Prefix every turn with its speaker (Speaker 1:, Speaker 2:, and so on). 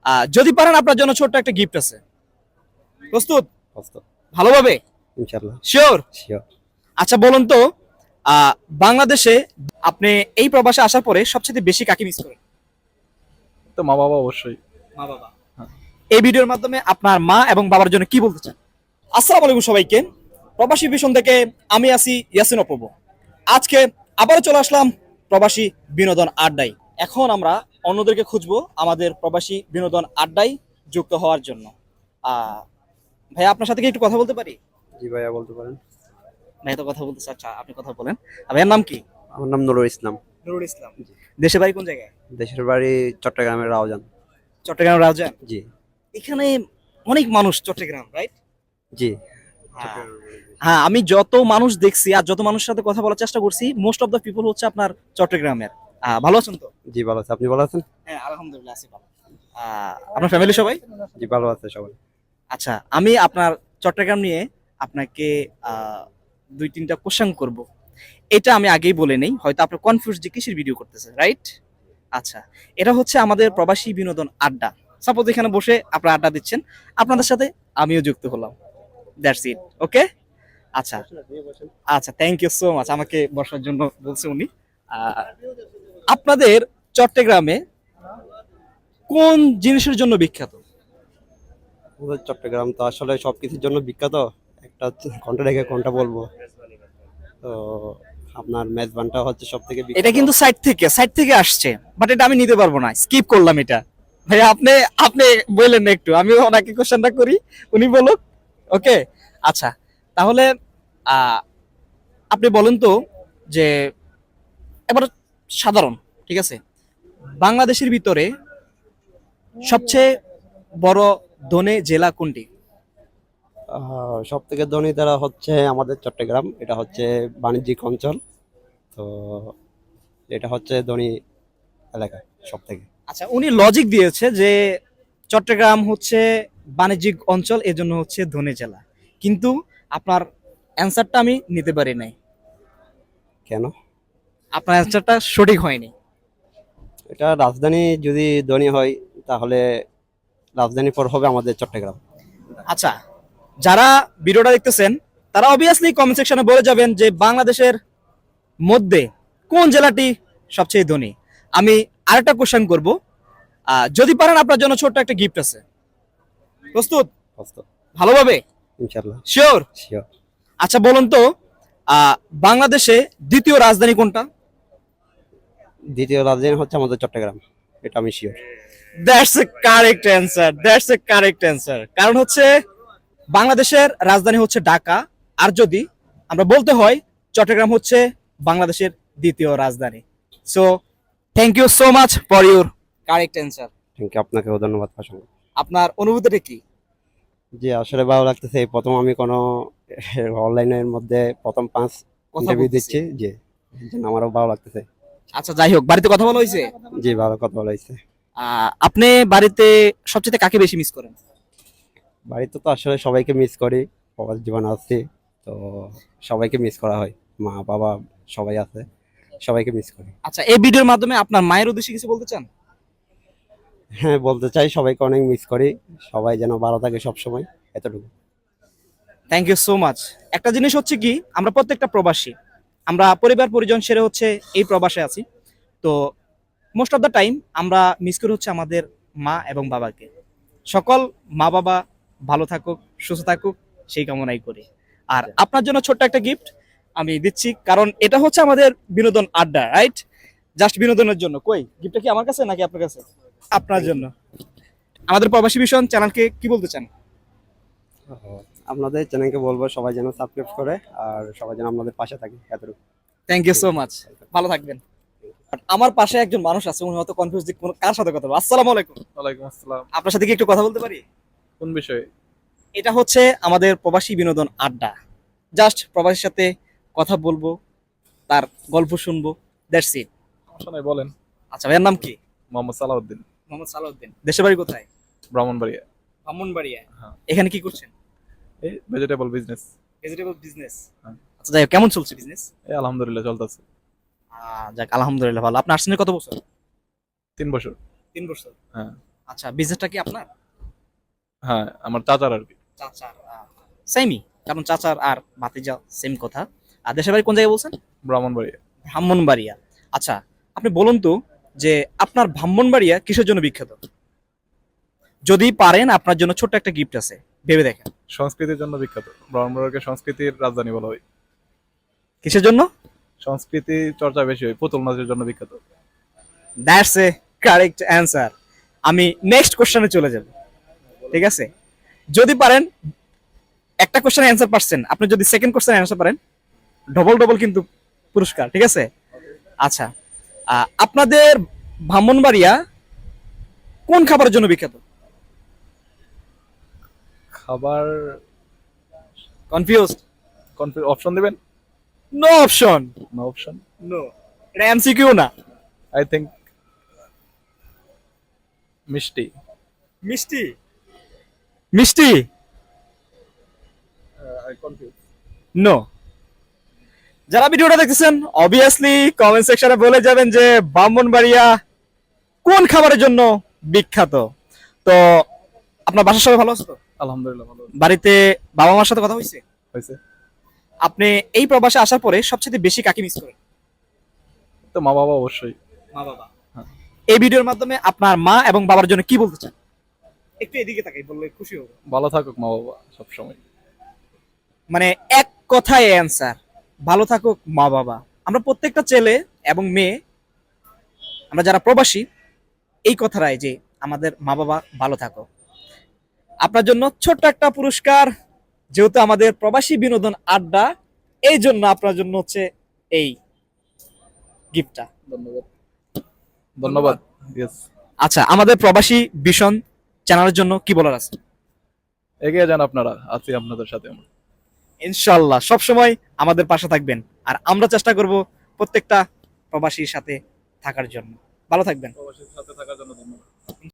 Speaker 1: যদি পারেন আপনার জন্য ছোট্ট একটা গিফট আছে। প্রস্তুত?
Speaker 2: প্রস্তুত।
Speaker 1: ভালোভাবে?
Speaker 2: ইনশাআল্লাহ।
Speaker 1: শিওর?
Speaker 2: শিওর।
Speaker 1: আচ্ছা বলুন তো, বাংলাদেশে আপনি এই প্রবাসে আসার পরে সবচেয়ে বেশি কাকে মিস করেন?
Speaker 3: তো মা বাবা অবশ্যই।
Speaker 1: মা বাবা। এই ভিডিওর মাধ্যমে আপনার মা এবং বাবার জন্য কি বলতে চান? আসসালামু আলাইকুম সবাইকে। প্রবাসী ভীষণ থেকে আমি আছি ইয়াসিন অপূর্ব। আজকে আবারও চলে আসলাম প্রবাসী বিনোদন আড্ডায়। এখন আমরা অন্যদেরকে খুঁজবো আমাদের প্রবাসী বিনোদন আড্ডায় যুক্ত হওয়ার জন্য। ভাইয়া আপনার সাথে কি একটু কথা বলতে পারি?
Speaker 2: জি ভাইয়া বলতে পারেন।
Speaker 1: ভাইয়া তো কথা বলতে আচ্ছা আপনি কথা বলেন। ভাইয়ার নাম কি?
Speaker 2: আমার নাম নুরুল ইসলাম।
Speaker 1: নুরুল ইসলাম। দেশে বাড়ি কোন জায়গায়?
Speaker 2: দেশের বাড়ি চট্টগ্রামের রাউজান।
Speaker 1: চট্টগ্রাম রাউজান।
Speaker 2: জি।
Speaker 1: এখানে অনেক মানুষ চট্টগ্রাম, রাইট?
Speaker 2: জি।
Speaker 1: হ্যাঁ, আমি যত মানুষ দেখছি আর যত মানুষের সাথে কথা বলার চেষ্টা করছি, মোস্ট অফ দ্য পিপল হচ্ছে আপনার চট্টগ্রামের। ভালো আছেন তো?
Speaker 2: জি ভালো আছে। আপনি ভালো আছেন?
Speaker 1: হ্যাঁ, আলহামদুলিল্লাহ আছি ভালো। আপনার ফ্যামিলি সবাই?
Speaker 2: জি ভালো আছে সবাই।
Speaker 1: আচ্ছা, আমি আপনার চট্টগ্রাম নিয়ে আপনাকে দুই তিনটা কোশ্চেন করব। এটা আমি আগেই বলে নেই, হয়তো আপনার কনফিউজ যে কিসের ভিডিও করতেছে, রাইট? আচ্ছা, এটা হচ্ছে আমাদের প্রবাসী বিনোদন আড্ডা। সাপোজ এখানে বসে আপনারা আড্ডা দিচ্ছেন, আপনাদের সাথে আমিও যুক্ত হলাম। That's it, okay? আচ্ছা আচ্ছা, থ্যাংক ইউ সো মাচ আমাকে বসার জন্য বলছে উনি। আহ, আপনাদের চট্টগ্রামে কোন জিনিসের জন্য বিখ্যাত?
Speaker 2: আমাদের চট্টগ্রাম তো আসলে সবকিছুর জন্য বিখ্যাত। একটা কোনটা রেখে কোনটা বলবো। তো আপনার মেজবানটা হচ্ছে সব থেকে বিখ্যাত।
Speaker 1: এটা কিন্তু সাইড থেকে আসছে, বাট এটা আমি নিতে পারবো না, স্কিপ করলাম এটা। ভাই আপনি আপনি বললেন না একটু, আমি ওনাকে কোশ্চেনটা করি, উনি বলুক। ওকে, আচ্ছা তাহলে আহ, আপনি বলেন তো যে এবার সাধারণ, ঠিক আছে, বাংলাদেশের ভিতরে সবচেয়ে বড় ধনী জেলা কোনটি?
Speaker 2: সব থেকে ধনী তারা হচ্ছে আমাদের চট্টগ্রাম। এটা হচ্ছে বাণিজ্যিক অঞ্চল। তো এটা হচ্ছে ধনী এলাকা সব থেকে।
Speaker 1: আচ্ছা, উনি লজিক দিয়েছে যে চট্টগ্রাম হচ্ছে বাণিজ্যিক অঞ্চল, এজন্য হচ্ছে ধনী জেলা, কিন্তু আপনার অ্যান্সারটা আমি নিতে পারি নাই।
Speaker 2: কেন?
Speaker 1: আপনার অ্যান্সারটা সঠিক হয়নি।
Speaker 2: এটা রাজধানী যদি ধনী হয় তাহলে রাজধানীর পর হবে আমাদের চট্টগ্রাম।
Speaker 1: আচ্ছা, যারা ভিডিওটা দেখতেছেন তারা অবভিয়াসলি কমেন্ট সেকশনে বলে যাবেন যে বাংলাদেশের মধ্যে কোন জেলাটি সবচেয়ে ধনী। আমি আরেকটা কোশ্চেন করব, যদি পারেন আপনার জন্য ছোট্ট একটা গিফট আছে। প্রস্তুত?
Speaker 2: প্রস্তুত।
Speaker 1: ভালোভাবে?
Speaker 2: ইনশাআল্লাহ।
Speaker 1: শিওর?
Speaker 2: শিওর।
Speaker 1: আচ্ছা বলুন তো, বাংলাদেশে দ্বিতীয় রাজধানী কোনটা?
Speaker 2: দ্বিতীয় রাজধানী হচ্ছে আমাদের চট্টগ্রাম। এটা আমি sure.
Speaker 1: That's a correct answer, that's a correct answer. কারণ হচ্ছে বাংলাদেশের রাজধানী হচ্ছে ঢাকা, আর যদি আমরা বলতে হয় চট্টগ্রাম হচ্ছে বাংলাদেশের দ্বিতীয় রাজধানী। So thank you so much for your correct answer.
Speaker 2: Thank you. আপনাকেও ধন্যবাদ পাশান।
Speaker 1: আপনার অনুভূতিটা কি?
Speaker 2: জি আসলে ভালো লাগতেছে। এই প্রথম আমি কোনো অনলাইনের মধ্যে প্রথম 5
Speaker 1: কথা
Speaker 2: ইন্টারভিউ
Speaker 1: বলতেছি।
Speaker 2: দিচ্ছি। জি, এর জন্য আমারও ভালো লাগতেছে।
Speaker 1: আচ্ছা যাই হোক, বাড়িতে কথা বলা হয়েছে?
Speaker 2: জি ভালো কথা বলা হয়েছে।
Speaker 1: আপনি বাড়িতে সবচেয়ে কাকে বেশি মিস করেন?
Speaker 2: বাড়িতে তো আসলে সবাইকে মিস করি। প্রবাস জীবন আছে তো সবাইকে মিস করা হয়। মা বাবা সবাই আছে, সবাইকে মিস করি।
Speaker 1: আচ্ছা, এই ভিডিওর মাধ্যমে আপনার মায়ের উদ্দেশ্যে কিছু বলতে চান?
Speaker 2: হ্যাঁ বলতে চাই, সবাইকে অনেক মিস করি। সবাই যেন ভালো থাকে সবসময়, এতটুকু।
Speaker 1: Thank you so much. একটা জিনিস হচ্ছে কি, আমরা প্রত্যেকটা প্রবাসী, আমরা পরিবার পরিজন সেরে হচ্ছে এই প্রবাসে আছি। তো মোস্ট অফ দ্য টাইম আমরা মিস করি হচ্ছে আমাদের মা এবং বাবাকে। সকল মা বাবা ভালো থাকুক, সুস্থ থাকুক, সেই কামনাই করি। আর আপনার জন্য ছোট্ট একটা গিফট আমি দিচ্ছি, কারণ এটা হচ্ছে আমাদের বিনোদন আড্ডা, রাইট? জাস্ট বিনোদনের জন্য। কই গিফটটা কি আমার কাছে নাকি আপনার কাছে? আপনার জন্য। আমাদের প্রবাসী ভীষণ চ্যানেলকে কি বলতে চান?
Speaker 2: আপনাদের চ্যানেলকে বলবো সবাই যেন সাবস্ক্রাইব করে আর সবাই যেন আপনাদের পাশে থাকে, এতটুকু।
Speaker 1: থ্যাংক ইউ সো মাচ, ভালো থাকবেন। আমার পাশে একজন মানুষ আছে, উনি হয়তো কনফিউজ যে কার সাথে কথা বলবো। আসসালামু আলাইকুম।
Speaker 3: ওয়ালাইকুম আসসালাম।
Speaker 1: আপনার সাথে কি একটু কথা বলতে পারি?
Speaker 3: কোন বিষয়ে?
Speaker 1: এটা হচ্ছে আমাদের প্রবাসী বিনোদন আড্ডা। জাস্ট প্রবাসীর সাথে কথা বলবো, তার গল্প শুনবো, দ্যাটস ইট।
Speaker 3: সমস্যা নাই, বলেন।
Speaker 1: আচ্ছা, ভাইয়ের নাম কি?
Speaker 3: মোহাম্মদ সালাউদ্দিন।
Speaker 1: মোহাম্মদ সালাউদ্দিন। দেশের বাড়ি কোথায়?
Speaker 3: ব্রাহ্মণবাড়িয়া।
Speaker 1: ব্রাহ্মণবাড়িয়া।
Speaker 3: হ্যাঁ।
Speaker 1: এখানে কি করছেন?
Speaker 3: এই ভেজিটেবল বিজনেস।
Speaker 1: Vegetable business.
Speaker 3: হ্যাঁ।
Speaker 1: আচ্ছা যাই হোক, কেমন চলছে বিজনেস?
Speaker 3: এই আলহামদুলিল্লাহ চলতেছে।
Speaker 1: যাক আলহামদুলিল্লাহ ভালো। আপনি আসছেন কত বছর?
Speaker 3: 3 বছর।
Speaker 1: 3 বছর।
Speaker 3: হ্যাঁ।
Speaker 1: আচ্ছা, বিজনেসটা কি আপনার?
Speaker 3: হ্যাঁ, আমার চাচার আর কি।
Speaker 1: চাচার? সেমই, কারণ চাচার আর ভাতিজা সেম কথা। আর দেশের বাড়ি কোন জায়গায় বলছেন?
Speaker 3: ব্রাহ্মণবাড়িয়া।
Speaker 1: ব্রাহ্মণবাড়িয়া। আচ্ছা, আপনি বলুন তো যে আপনার ব্রাহ্মণবাড়িয়া কিসের জন্য বিখ্যাত? যদি পারেন আপনার জন্য ছোট্ট একটা গিফট আছে, ভেবে দেখেন।
Speaker 3: সংস্কৃতির জন্য বিখ্যাত। ব্রাহ্মণবাড়িয়াকে সংস্কৃতির রাজধানী বলা হয়।
Speaker 1: কিসের জন্য?
Speaker 3: সংস্কৃতি চর্চা বেশি হয়, পুতুল নাচের জন্য বিখ্যাত।
Speaker 1: That's a correct answer. আমি নেক্সট কোশ্চেনে চলে যাব, ঠিক আছে? যদি পারেন, একটা কোশ্চেনের অ্যান্সার পারছেন, আপনি যদি সেকেন্ড কোশ্চেনের অ্যান্সার পারেন, ডবল ডবল কিন্তু পুরস্কার, ঠিক আছে? আচ্ছা, আপনাদের ব্রাহ্মণবাড়িয়া কোন খাবারের জন্য বিখ্যাত?
Speaker 3: খাবার
Speaker 1: কনফিউজড?
Speaker 3: অপশন দিবেন?
Speaker 1: No option.
Speaker 3: No option.
Speaker 1: No, এটা এমসিকিউ না।
Speaker 3: I think mishti.
Speaker 1: মিষ্টি? মিষ্টি?
Speaker 3: I confuse.
Speaker 1: নো। যারা ভিডিওটা দেখতেছেন অবভিয়াসলি কমেন্ট সেকশনে বলে যাবেন যে ব্রাহ্মণবাড়িয়া কোন খাবারের জন্য বিখ্যাত। তো আপনার বাসার সবাই ভালো আছে তো?
Speaker 3: আলহামদুলিল্লাহ ভালো
Speaker 1: বাড়িতে বাবা মার সাথে কথা হয়েছে?
Speaker 3: হয়েছে।
Speaker 1: আপনি এই প্রবাসে আসার পরে সবচেয়ে বেশি কাকে মিস করেন?
Speaker 3: তো মা বাবা অবশ্যই।
Speaker 1: মা বাবা।
Speaker 3: হ্যাঁ।
Speaker 1: এই ভিডিওর মাধ্যমে আপনার মা এবং বাবার জন্য কি বলতে চান? একটু এদিকে তাকাই বললে খুশি হব।
Speaker 3: ভালো থাকুক মা বাবা সবসময়।
Speaker 1: মানে এক কথায় অ্যান্সার, ভালো থাকুক মা বাবা। আমরা প্রত্যেকটা ছেলে এবং মেয়ে, আমরা যারা প্রবাসী, এই কথাটাই যে আমাদের মা বাবা ভালো থাকো। আপনার জন্য ছোট্ট একটা পুরস্কার, যেহেতু আমাদের প্রবাসী বিনোদন আড্ডা, এই জন্য আপনার জন্য হচ্ছে এই গিফটটা।
Speaker 3: ধন্যবাদ। ধন্যবাদ। ইয়েস।
Speaker 1: আচ্ছা, আমাদের প্রবাসী ভীষণ চ্যানেলের জন্য কি বলার আছে?
Speaker 3: এগিয়ে যান আপনারা, আছি আপনাদের সাথে আমরা।
Speaker 1: ইনশাল্লাহ সবসময় আমাদের পাশে থাকবেন, আর আমরা চেষ্টা করব প্রত্যেকটা প্রবাসীর সাথে থাকার জন্য। ভালো থাকবেন।
Speaker 3: প্রবাসীর সাথে থাকার জন্য ধন্যবাদ।